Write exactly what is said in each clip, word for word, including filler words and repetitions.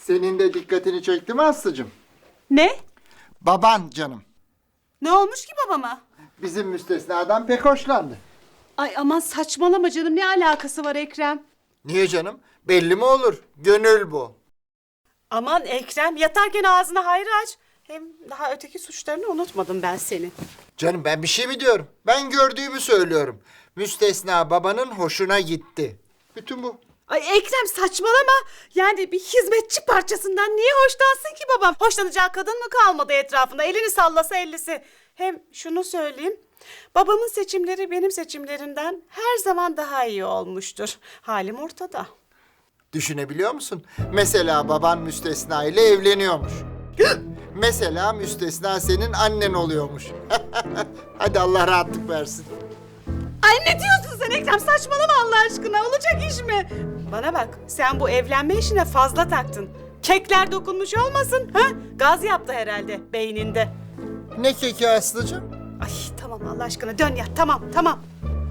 Senin de dikkatini çekti mi Aslı'cığım? Ne? Baban canım. Ne olmuş ki babama? Bizim müstesnadan pek hoşlandı. Ay aman saçmalama canım, ne alakası var Ekrem? Niye canım? Belli mi olur? Gönül bu. Aman Ekrem, yatarken ağzına hayır aç. Hem daha öteki suçlarını unutmadım ben senin. Canım ben bir şey mi diyorum? Ben gördüğümü söylüyorum. Müstesna babanın hoşuna gitti. Bütün bu. Ay Ekrem saçmalama. Yani bir hizmetçi parçasından niye hoşlansın ki babam? Hoşlanacağı kadın mı kalmadı etrafında? Elini sallasa ellisi. Hem şunu söyleyeyim. Babamın seçimleri benim seçimlerimden her zaman daha iyi olmuştur. Halim ortada. Düşünebiliyor musun? Mesela baban müstesna ile evleniyormuş. Mesela müstesna senin annen oluyormuş. Hadi Allah rahatlık versin. Ay ne diyorsun sen Ekrem? Saçmalama Allah aşkına. Olacak iş mi? Bana bak, sen bu evlenme işine fazla taktın. Kekler dokunmuş olmasın, ha? Gaz yaptı herhalde beyninde. Ne keki Aslı'cığım? Ay tamam Allah aşkına dön yat, tamam tamam.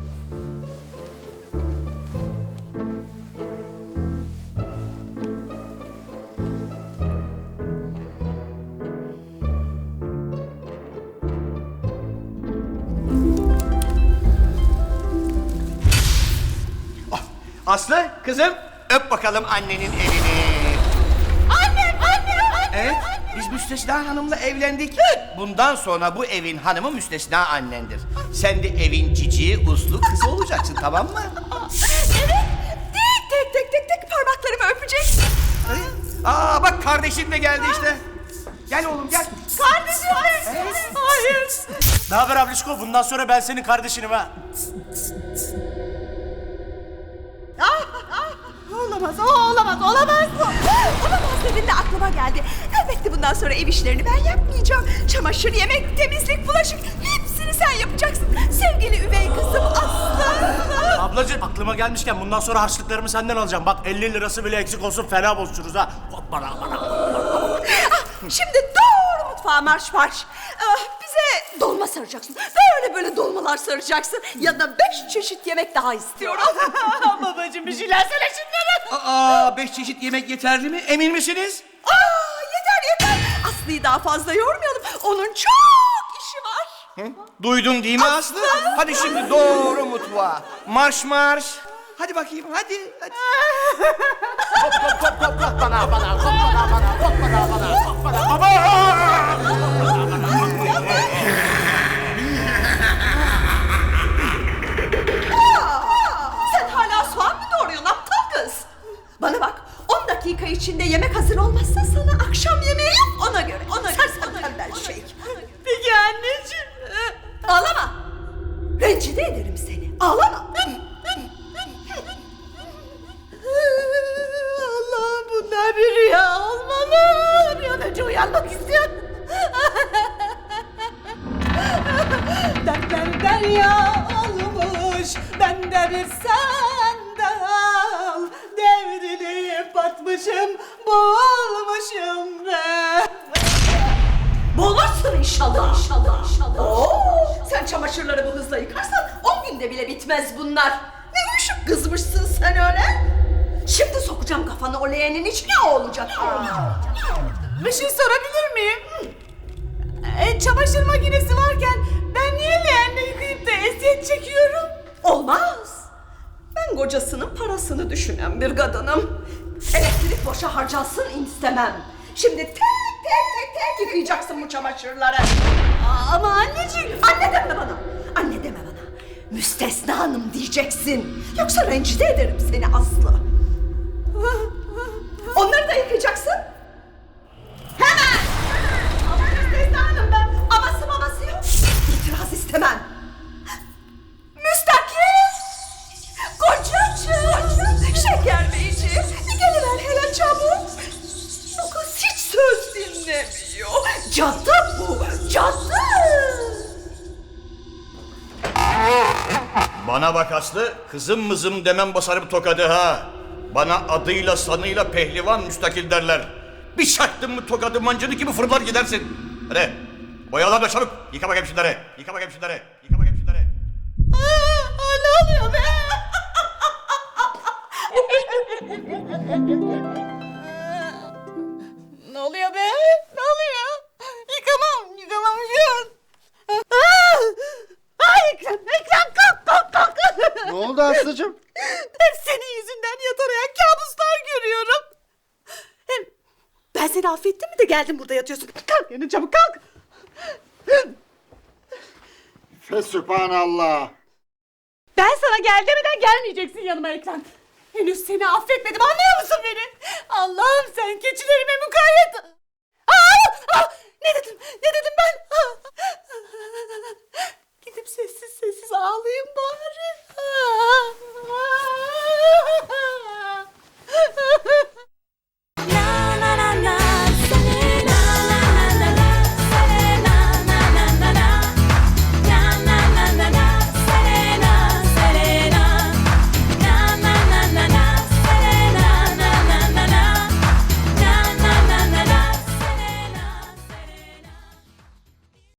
Aslı, kızım öp bakalım annenin elini. Annem, annem, annem. Evet, biz Müstesna Hanım'la evlendik. Bundan sonra bu evin hanımı Müstesna annendir. Sen de evin cici, uslu kızı olacaksın, tamam mı? Evet. Tek tek tek tek tek parmaklarımı öpeceksin. Aa bak kardeşim de geldi işte. Gel oğlum gel. Kardeşim, hayır. Hayır. Ne haber ablişko? Bundan sonra ben senin kardeşinim ha. Olamaz, o olamaz, olamaz bu. Olamaz dediğinde aklıma geldi. Elbette bundan sonra ev işlerini ben yapmayacağım. Çamaşır, yemek, temizlik, bulaşık hepsini sen yapacaksın. Sevgili üvey kızım Aslı. Ablacığım aklıma gelmişken bundan sonra harçlıklarımı senden alacağım. Bak elli lirası bile eksik olsun fena bozuşuruz ha. Hoppala bana. Ah, şimdi doğru mutfağa marş marş. Ah, bize dolma saracaksın. Böyle böyle dolmalar saracaksın. Yanına beş çeşit yemek daha istiyorum. Babacığım bir şeyler söyle şunlara. Aa beş çeşit yemek yeterli mi? Emin misiniz? Aa, yeter yeter. Aslı'yı daha fazla yormayalım. Onun çok işi var. Hı? Duydun değil mi Aslı? Hadi şimdi doğru mutfağa. Marş marş. Hadi bakayım hadi. hadi. Sen hala soğan mı doğruyorsun aptal kız? Bana bak, on dakika içinde yemek hazır olmazsa sana akşam yemeği yok ona göre. Ona göre. Sen tembel şey. Peki anneciğim. Ağlama. Rencide ederim seni. Ağlama. Allah'ım bunlar bir rüya olmalı. Bir an önce uyanmak istiyorum. Dertler derya olmuş, ben de bir sandal. Devrilip batmışım, boğulmuşum ben. Boğulursun inşallah. İnşallah. İnşallah. Oo, sen çamaşırları bu hızla yıkarsan on günde bile bitmez bunlar. Ne uyuşup kızmışsın sen öyle? Şimdi sokacağım kafanı o leğenin içine, o olacak. Bir şey sorabilir miyim? E, çamaşır makinesi varken ben niye leğenle yıkayıp da eziyet çekiyorum? Olmaz. Ben kocasının parasını düşünen bir kadınım. Elektrik boşa harcansın istemem. Şimdi tek tek tek tek yıkayacaksın bu çamaşırları. Ama anneciğim. Anne deme bana. Anne deme bana. Müstesna hanım diyeceksin. Yoksa rencide ederim seni Aslı. Onları da yıkayacaksın. Hemen. Ama Müstesna hanım ben. Aması maması yok. İtiraz istemem. Müstakil. Kocacığım. Şeker beyciğim. Geliver hele çabuk. Bu kız hiç söz dinlemiyor. Cadı bu. Cadı. Bana bak Aslı, kızım mızım demem basarım tokadı ha. Bana adıyla sanıyla pehlivan müstakil derler. Bir çaktın mı tokadı mancını gibi fırlar gidersin. Hadi boyalar da çabuk. Yıka bakayım şunları. Yıka bakayım şunları. Yıka bakayım şunları. Aa, ne oluyor be? Ben seni affettim mi de geldin burada yatıyorsun. Kalk yerine çabuk kalk. Fesübhanallah. Ben sana gel demeden gelmeyeceksin yanıma Ekrem. Henüz seni affetmedim, anlıyor musun beni? Allah'ım sen keçilerime mukayyet. Aa, aa, ne dedim? Ne dedim ben? Aa. Gidip sessiz sessiz ağlayayım bari. Aa.